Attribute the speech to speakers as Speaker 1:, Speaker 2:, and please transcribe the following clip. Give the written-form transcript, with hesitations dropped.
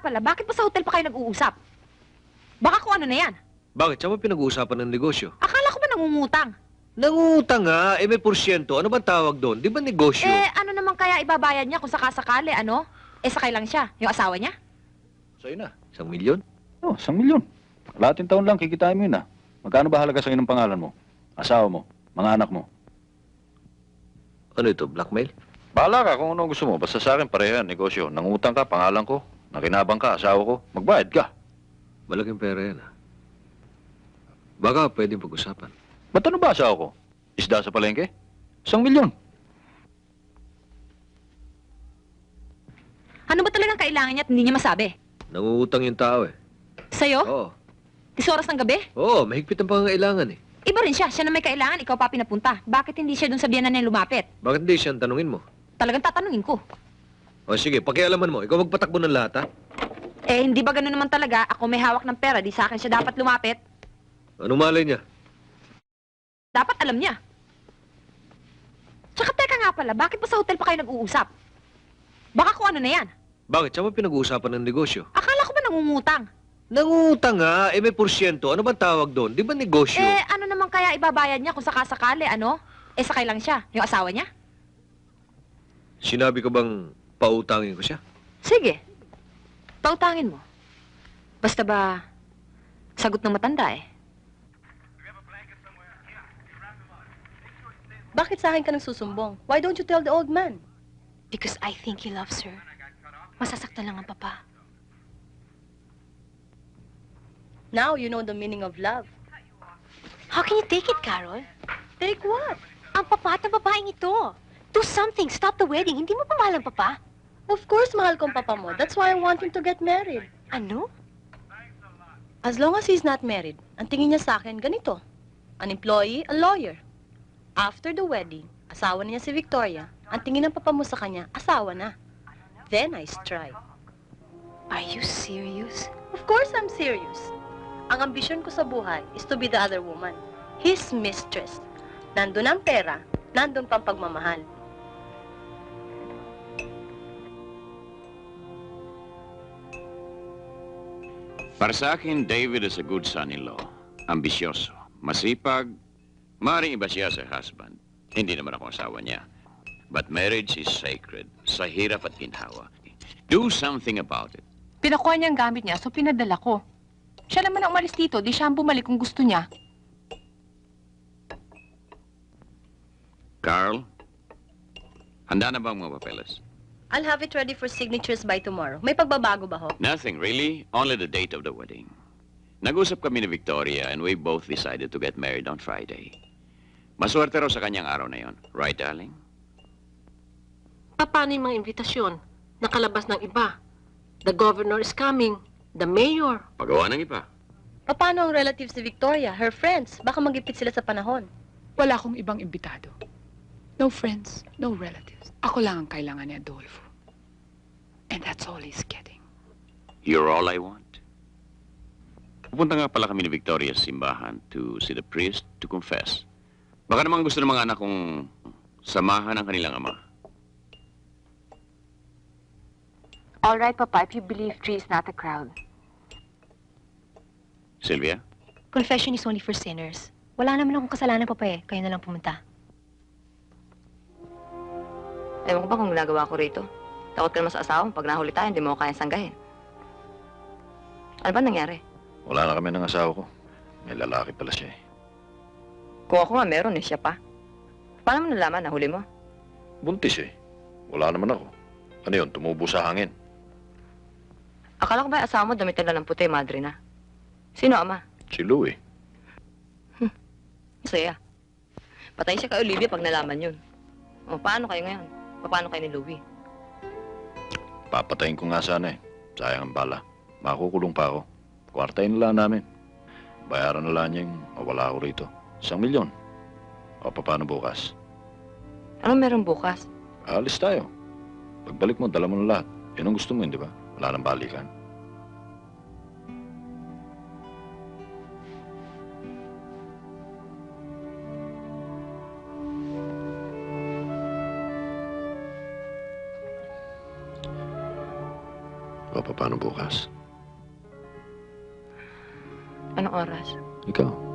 Speaker 1: pala, bakit pa sa hotel pa kayo nag-uusap? Baka kung ano na yan.
Speaker 2: Bakit? Saan mo pinag-uusapan ng negosyo?
Speaker 1: Akala ko ba nangungutang?
Speaker 2: Nangutang nga, may porsyento. Ano bang tawag doon? Di ba negosyo?
Speaker 1: Ano naman kaya ibabayad niya kung sakasakali, ano? Sakay lang siya, yung asawa niya?
Speaker 3: Sa'yo na.
Speaker 2: 1,000,000?
Speaker 3: Oh, 1,000,000. Kalahating taon lang, kikitain mo yun ah. Magkano ba halaga sa'yo ng pangalan mo? Asawa mo? Mga anak mo?
Speaker 2: Ano ito, blackmail?
Speaker 3: Bahala ka kung ano gusto mo. Basta sa akin, pareho yan, negosyo. Nangutang ka, pangalan ko. Nakinabang ka, asawa ko. Magbayad ka.
Speaker 2: Malaking pera yan, ha? Baka pwedeng pag-usapan.
Speaker 3: Ba't ano ba asawa ko? Isda sa palengke? 1,000,000.
Speaker 1: Ano ba talagang kailangan niya at hindi niya masabi?
Speaker 2: Nangungutang yung tao, eh.
Speaker 1: Sa'yo?
Speaker 2: Oo.
Speaker 1: 10 oras ng gabi?
Speaker 2: Oo, mahigpit ang pangangailangan, eh.
Speaker 1: Iba rin siya. Siya na may kailangan, ikaw pa pinapunta. Bakit hindi siya dun sa biyanan niya lumapit?
Speaker 2: Bakit hindi siya ang tanungin mo?
Speaker 1: Talagang tatanungin ko.
Speaker 2: O sige, pakialaman mo. Ikaw magpatakbo ng lahat, ha?
Speaker 1: Hindi ba gano'n naman talaga? Ako may hawak ng pera, di sa akin siya dapat lumapit.
Speaker 2: Ano malay niya?
Speaker 1: Dapat alam niya. Tsaka teka nga pala, bakit pa sa hotel pa kayo nag-uusap? Baka kung ano na yan.
Speaker 2: Bakit? Saan mo pinag-uusapan ng negosyo?
Speaker 1: Akala ko ba nangungutang?
Speaker 2: Nangutang nga, may porsyento. Ano bang tawag doon? Di ba negosyo?
Speaker 1: Ano naman kaya ibabayad niya kung sakasakali, ano? Sakay lang siya, yung asawa niya?
Speaker 2: Sinabi ko bang pautangin ko siya?
Speaker 1: Sige. Pautangin mo. Basta ba, sagot ng matanda eh.
Speaker 4: Bakit sa akin ka nang susumbong? Why don't you tell the old man?
Speaker 5: Because I think he loves her. Masasaktan lang ang papa.
Speaker 4: Now you know the meaning of love.
Speaker 5: How can you take it, Carol?
Speaker 4: Take what?
Speaker 5: Ang papa at ang babaeng ito. Do something. Stop the wedding. Hindi mo pa mahal ang papa?
Speaker 4: Of course, mahal ko ang papa mo. That's why I want him to get married.
Speaker 5: Ano?
Speaker 4: As long as he's not married, ang tingin niya sa akin, ganito. An employee, a lawyer. After the wedding, asawa na niya si Victoria. Ang tingin ng papa mo sa kanya, asawa na. Then I strike.
Speaker 5: Are you serious?
Speaker 4: Of course I'm serious. Ang ambisyon ko sa buhay is to be the other woman. His mistress. Nandun ang pera, nandun pang pagmamahal.
Speaker 6: Para sa akin, David is a good son-in-law. Ambisyoso, masipag, maaaring iba siya sa husband. Hindi naman ako asawa niya. But marriage is sacred, sa hirap at ginhawa. Do something about it.
Speaker 7: Pinakuha niya ang gamit niya, so pinadala ko. Siya naman ang umalis dito, di siya ang bumalik kung gusto niya.
Speaker 6: Carl, handa na ba ang mga papeles?
Speaker 4: I'll have it ready for signatures by tomorrow. May pagbabago ba ho?
Speaker 6: Nothing, really. Only the date of the wedding. Nag-usap kami ni Victoria and we both decided to get married on Friday. Maswerte raw sa kanyang araw na yon. Right, darling?
Speaker 8: Paano yung mga imbitasyon? Nakalabas ng iba. The governor is coming. The mayor.
Speaker 6: Pagawa ng iba.
Speaker 4: Paano ang relatives ni Victoria, her friends? Baka magipit sila sa panahon.
Speaker 7: Wala akong ibang imbitado. No friends, no relatives. Ako lang ang kailangan ni Adolfo. And that's all he's getting.
Speaker 6: You're all I want. Pupunta nga pala kami ni Victoria sa simbahan to see the priest to confess. Baka naman gusto ng mga anak kong samahan ang kanilang ama.
Speaker 5: All right, Papa, if you believe Tree is not a crowd.
Speaker 6: Sylvia?
Speaker 5: Confession is only for sinners. Wala naman akong kasalanan, Papa eh. Kayo na lang pumunta.
Speaker 9: Ewan ko ba kung ginagawa ko rito? Takot ka naman sa asawa mo. Pag nahuli tayo, hindi mo ko kayang sanggahin. Ano ba nangyari?
Speaker 3: Wala na kami ng asawa ko. May lalaki pala siya eh.
Speaker 9: Kung ako nga meron siya pa. Paano mo nalaman? Nahuli mo?
Speaker 3: Buntis eh. Wala naman ako. Ano yun? Tumubo sa hangin.
Speaker 9: Akala ko ba yung asawa mo damitan lang ng puti, madre na? Sino ama?
Speaker 3: Si Lou eh.
Speaker 9: Masaya. Patay siya kay Olivia pag nalaman yun. O, paano kayo ngayon? Paano kayo ni Louie?
Speaker 3: Papatayin ko nga sana eh. Sayang ang bala. Makukulong pa ako. Kwartayin na lang namin. Bayaran na lang niya yung mawala ako rito. 1,000,000. O, paano bukas?
Speaker 9: Anong meron bukas?
Speaker 3: Alis tayo. Pagbalik mo, dala mo na lahat. Yan ang gusto mo, hindi ba? Wala nang balikan. paano bukas.
Speaker 9: Anong oras?
Speaker 3: Ikaw.